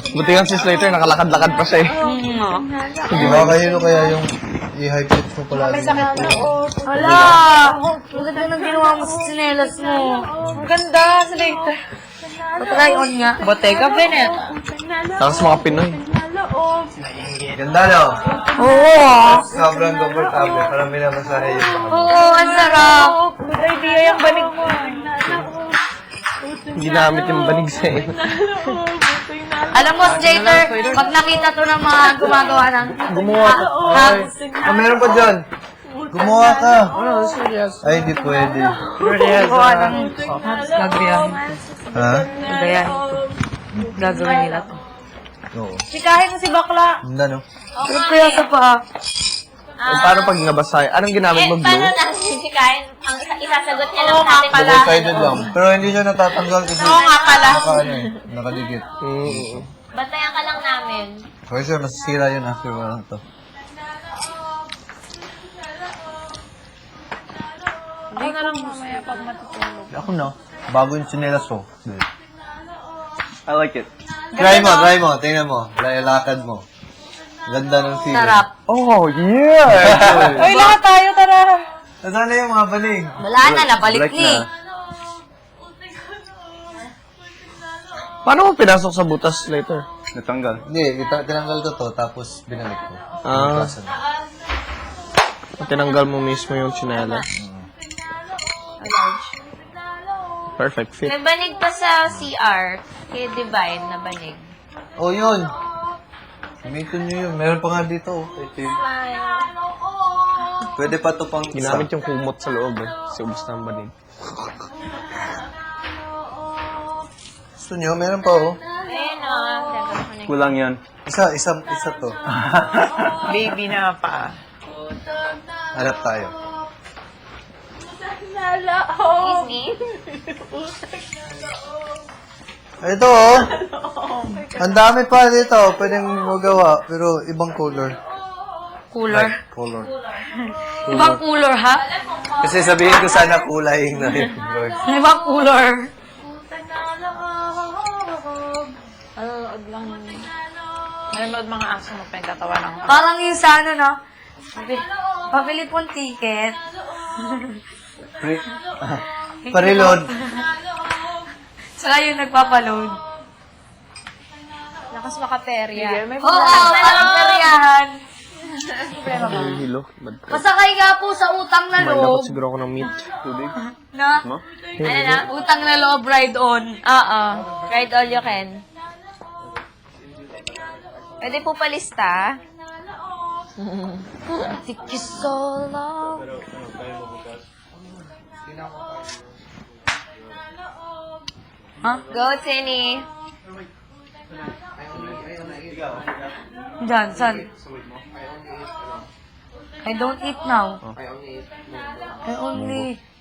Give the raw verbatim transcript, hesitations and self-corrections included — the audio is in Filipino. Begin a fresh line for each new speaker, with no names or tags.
Buti nga si Slater, nakalakad-lakad pa siya eh.
Di ba kayo kaya yung i-high pitch mo pala?
May sakit na.
Hala! Ang ganda ng ginawa mo sa sinelas mo.
Ang ganda, Slater.
Patry on nga.
Bottega Veneta.
Tapos mga Pinoy.
Ganda, no?
Oo ah.
Sobrang comfortable. Parang minamasahe yun.
Oo, ang sarap.
Good idea yung banig mo.
Ginamit yung banig sa iyo.
Alam mo, Slater, pag nakita to ng mga gumagawa ng...
Gumawa ka.
Ay.
Ah, meron pa dyan. Gumawa ka. Ay, hindi pwede.
Gagawa ng... Gagayahin to.
Ha?
Gagayahin to. Gagawin nila to.
Oo.
Sikahin mo si Bakla.
Ganda, no?
Pero kaya sa pa.
Eh, paano pag nabasay? Anong ginamit mo,
Eh, paano
glue?
natin si Kain? Ang isa- isasagot niya lang natin.
Double-sided lang. Pero hindi siya natatanggal kasi...
Oo nga pala.
Naka, ano eh, nakadikit.
Mm.
Bantayan ka lang namin.
Okay, sir, masisira yun after wala to.
Ako na lang mamaya pag matutulog.
Ako na. Bago yung chinelas ko.
I like it.
Try mo, try mo. Tingnan mo. Lakad mo. Ganda ng feeling.
Sarap.
Oh, yeah!
Uy, lahat tayo, tara.
Nasaan na yung mga baling?
Wala na, nabalik
Balik
ni.
na.
Paano mo pinasok sa butas later?
Natanggal. Hindi, ita- tinanggal ko to, tapos binalik ko.
Ah.
Bukasan.
Tinanggal mo mismo yung chinela. Perfect fit.
May banig pa sa C R. Kay Divine na banig.
Oh, yun. Gamitin nyo yun. Meron pa nga dito. Oh. Ito yun. Pwede pa to pang isa.
Ginamit yung kumot sa loob eh. Si ubos na ang banig.
Gusto nyo? Meron pa oh.
Ayun o. Oh.
Kulang yan.
Isa, isa, isa to.
Baby na pa.
Hanap tayo.
Excuse me?
Ito oh. Ang dami pa dito. Pwedeng magawa. Pero ibang color.
Cooler.
Like color.
Ibang cooler, ha?
Kasi sabihin ko sana kulay na yun. Lord.
Ibang cooler.
Nanonood lang. Nanonood mga aso mo pa yung tatawa lang.
Parang yung sa ano, no? Pabi- Pabili pong ticket.
Pre Pareload.
Saka yung nagpapaload.
Lakas makaperya.
May
Oo, oh, parang peryahan.
Hilo. Bad trip.
Pasakay nga po sa utang na
May
loob.
dapat siguro ako ng meat. Tubig.
Na?
No?
Ano na? Utang na loob, ride on.
Oo. Ride all you can. Pwede po palista.
Take you so long. Ha?
Go, Tinny.
Diyan, saan? I don't eat now. I only